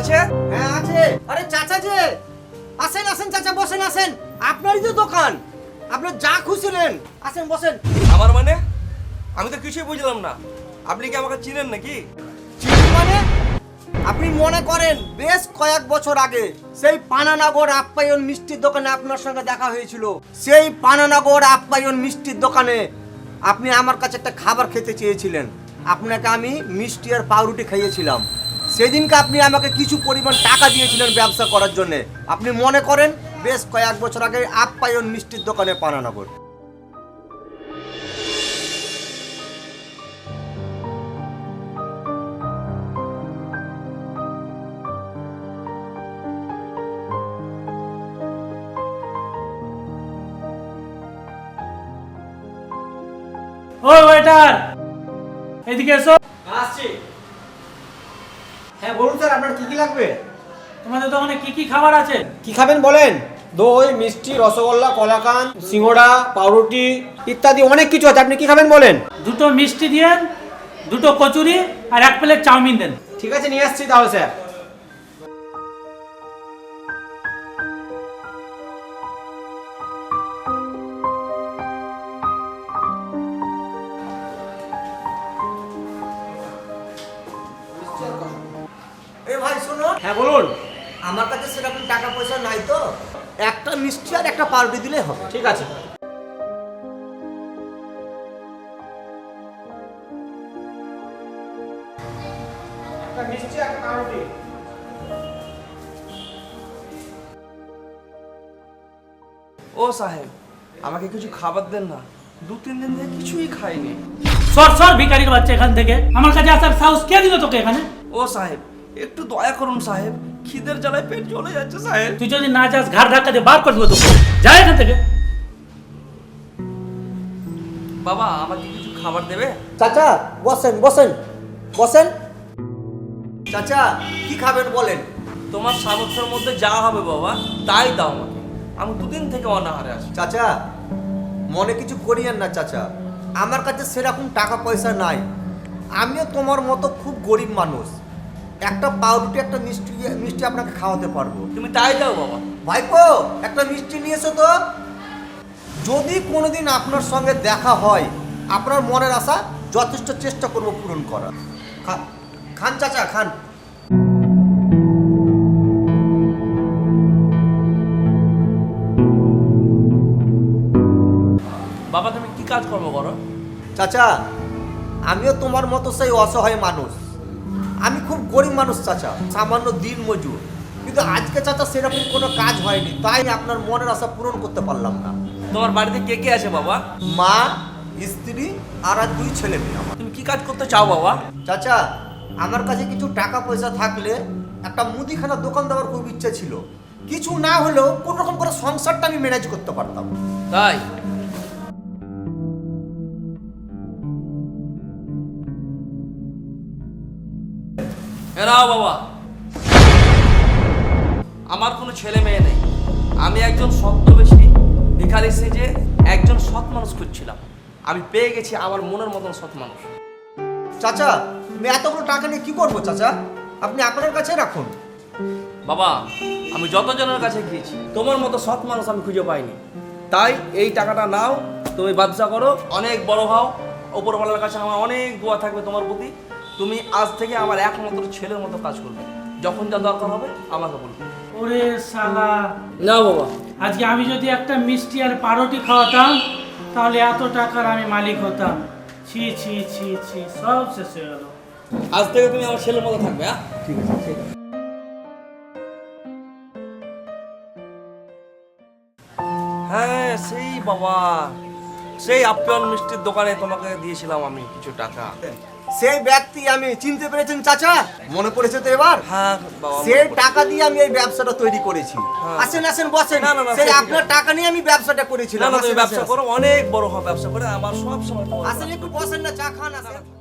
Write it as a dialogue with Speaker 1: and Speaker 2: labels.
Speaker 1: আছে?
Speaker 2: হ্যাঁ আছে। আরে চাচা যে, আসেন আসেন চাচা, বসেন আসেন। আপনারই তো দোকান, আপনি যা খুশি নেন, আসেন বসেন।
Speaker 1: আমার মানে? আমি তো কিছুই বুঝলাম না। আপনি কি আমাকে চিনেন নাকি?
Speaker 2: চিনি মানে? আপনি মনে করেন বেশ কয়েক বছর আগে সেই পানানগর আপ্যায়ন মিষ্টির দোকানে আপনার সঙ্গে দেখা হয়েছিল। সেই পানানগর আপ্যায়ন মিষ্টির দোকানে আপনি আমার কাছে একটা খাবার খেতে চেয়েছিলেন। আপনাকে আমি মিষ্টি আর পাউরুটি খাইয়েছিলাম। সেদিনকে আপনি আমাকে কিছু পরিমাণ টাকা দিয়েছিলেন ব্যবসা করার জন্য। আপনি মনে করেন বেশ কয়েক বছর আগে আপ্যায়ন মিষ্টির দোকানে পানানগর।
Speaker 3: ওই ওয়েটার, এদিকে এসো।
Speaker 2: আসছি। হ্যাঁ বলুন স্যার, আপনার কি কি লাগবে?
Speaker 3: তোমাদের দোকানে কি কি খাবার আছে?
Speaker 2: কি খাবেন বলেন? দই, মিষ্টি, রসগোল্লা, কলাকান, সিঙ্গড়া, পাউরুটি ইত্যাদি অনেক কিছু আছে। আপনি কি খাবেন বলেন?
Speaker 3: দুটো মিষ্টি দিয়েন, দুটো কচুরি আর 1 প্লেট চাউমিন দেন।
Speaker 2: ঠিক আছে, নিয়ে আসছি তাহলে স্যার। এ ভাই শোনো। হ্যাঁ বলুন। আমার কাছে সেরকম টাকা পয়সা নাই তো, একটা মিষ্টি আর একটা পাউরুটি দিলেই হবে। ঠিক আছে। একটা মিষ্টি একটা পাউরুটি।
Speaker 1: ও সাহেব, আমাকে কিছু খাবার দেন না। 2-3 দিন ধরে কিছুই খাইনি।
Speaker 3: সর সর ভিখারির বাচ্চা এখান থেকে। আমার কাছে আসার সাহস কে দিল তোকে এখানে?
Speaker 1: ও সাহেব, একটু দয়া করুন সাহেব, খিদের জ্বালায় পেট জ্বলে যাচ্ছে সাহেব।
Speaker 3: তুই যদি না যাস ঘাড় ধাক্কা দিয়ে বার করে দেবো তোকে। যা এখান থেকে।
Speaker 1: বাবা, আমাকে কিছু খাবার দেবে?
Speaker 2: চাচা বসেন বসেন বসেন। চাচা কি খাবেন বলেন?
Speaker 1: তোমার সামর্থ্যের মধ্যে যা হবে বাবা তাই দাও আমাকে। আমি 2 দিন থেকে অনাহারে আছি।
Speaker 2: চাচা মনে কিছু করিয়েন না চাচা, আমার কাছে সেরকম টাকা পয়সা নাই। আমিও তোমার মতো খুব গরিব মানুষ। একটা পাউরুটি একটা মিষ্টি মিষ্টি আপনাকে খাওয়াতে পারবো।
Speaker 1: তুমি তাই দাও বাবা।
Speaker 2: ভাইপো একটা মিষ্টি নিয়ে এসো তো। যদি কোনোদিন আপনার সঙ্গে দেখা হয়, আপনার মনের আশা যথেষ্ট চেষ্টা করব পূরণ করার। খান চাচা খান।
Speaker 1: বাবা, তুমি কি কাজ কর্ম করো?
Speaker 2: চাচা আমিও তোমার মতো সেই অসহায় মানুষ। আমি খুব গরিব মানুষ চাচা, সামান্য দিন মজুর। কিন্তু আজকে চাচা সেরকম কোনো কাজ হয়নি, তাই আপনার মনের আশা পূরণ করতে পারলাম না।
Speaker 1: তোমার বাড়িতে কে কে আছে বাবা?
Speaker 2: মা, স্ত্রী আর 2 ছেলে মেয়ে আমার।
Speaker 1: তুমি কি কাজ করতে চাও বাবা?
Speaker 2: চাচা আমার কাছে কিছু টাকা পয়সা থাকলে একটা মুদিখানা দোকান দেওয়ার খুব ইচ্ছা ছিল। কিছু না হলেও কোন রকম করে সংসারটা আমি ম্যানেজ করতে পারতাম।
Speaker 1: তাই? এরাও বাবা, আমার কোনো ছেলে মেয়ে নেই। আমি একজন ছদ্মবেশী ভিখারি সেজে একজন সৎ মানুষ খুঁজছিলাম। আমি পেয়ে গেছি আমার মনের মতন সৎ মানুষ।
Speaker 2: চাচা আমি এতগুলো টাকা নিয়ে কি করবো চাচা? আপনি আপনার কাছে রাখুন।
Speaker 1: বাবা, আমি যতজনের কাছে গিয়েছি তোমার মতো সৎ মানুষ আমি খুঁজে পাইনি। তাই এই টাকাটা নাও, তুমি ব্যবসা করো, অনেক বড় হও। ওপরওয়ালার কাছে আমার অনেক দোয়া থাকবে তোমার প্রতি। তুমি আজ থেকে আমার একমাত্র ছেলের মতো কাজ করবে। যখন যা দরকার হবে আমাকে বলবে।
Speaker 3: ওরে শালা,
Speaker 1: না বাবা,
Speaker 3: আজকে আমি যদি একটা মিষ্টি আর পাউরুটি খাওয়াতাম তাহলে এত টাকার আমি মালিক হতাম। ছি ছি ছি ছি, সব শেষ হয়ে গেল।
Speaker 1: আজ থেকে তুমি আমার ছেলের মতো থাকবে। হ্যাঁ,
Speaker 2: ঠিক আছে ঠিক আছে।
Speaker 1: হ্যাঁ সেই বাবা, সেই আপ্যায়ন মিষ্টির দোকানে তোমাকে দিয়েছিলাম আমি কিছু টাকা।
Speaker 2: সেই ব্যক্তি আমি চিনতে পেরেছেন চাচা? মনে পড়েছে তো এবার?
Speaker 1: হ্যাঁ বাবা,
Speaker 2: সেই টাকা দিয়ে আমি এই ব্যবসাটা তৈরি করেছি।
Speaker 1: হ্যাঁ।
Speaker 2: আসেন আসেন বসেন।
Speaker 1: না, না, না,
Speaker 2: সেই
Speaker 1: সে ঠিক
Speaker 2: আপনার
Speaker 1: আছে।
Speaker 2: টাকা নিয়ে আমি ব্যবসাটা
Speaker 1: না
Speaker 2: করেছিলাম।
Speaker 1: না, তুমি
Speaker 2: আসেন,
Speaker 1: ব্যবসা
Speaker 2: আসেন,
Speaker 1: করো, অনেক বড় হবে ব্যবসা করে। আমার সব সময় তোমার
Speaker 2: আসেন একটু বসেন না, চা খান আসেন।